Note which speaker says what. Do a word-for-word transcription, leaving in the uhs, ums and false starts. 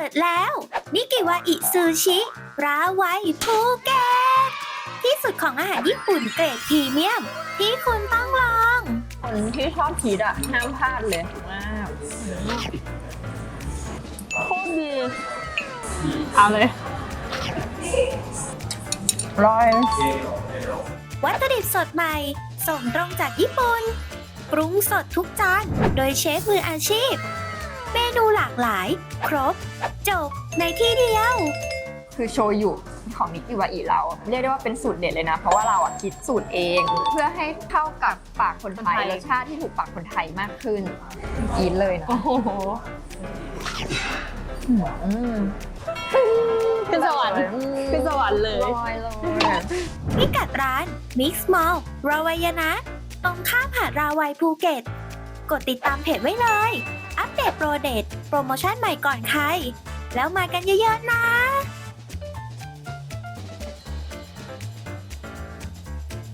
Speaker 1: ดแล้ว นิกิวาอิซูชิราไวภูเก็ตที่สุดของอาหารญี่ปุ่นเกรดพรีเมียม ที่คุณต้องลอง
Speaker 2: คนที่ชอบพีชอะห้ามพลาดเลยมากโคตรดีเอาเลยอร่อย
Speaker 1: วัตถุดิบสดใหม่ ส่งตรงจากญี่ปุ่น ปรุงสดทุกจาน โดยเชฟมืออาชีพ เมนูหลากหลาย ครบ จบในที่เดียว
Speaker 2: คือโชยุของนิกิวาอิเราเรียกได้ว่าเป็นสูตรเด็ดเลยนะ เพราะว่าเราอะคิดสูตรเอง เพื่อให้เข้ากับปากคนไทยรสชาติที่ถูกปากคนไทยมากขึ้นอีทเลยนะ
Speaker 3: โอ้โห
Speaker 2: อืม
Speaker 3: ขึ้นสวรรค์ขึ้นสวรรค์เลย
Speaker 2: ลอยเลย
Speaker 1: พิกัดร้าน Mix Mall ราวายนะ ตรงข้ามหาดราวัยภูเก็ต กดติดตามเพจไว้เลย อัปเดตโปรเดตโปรโมชั่นใหม่ก่อนใคร แล้วมากันเยอะๆนะ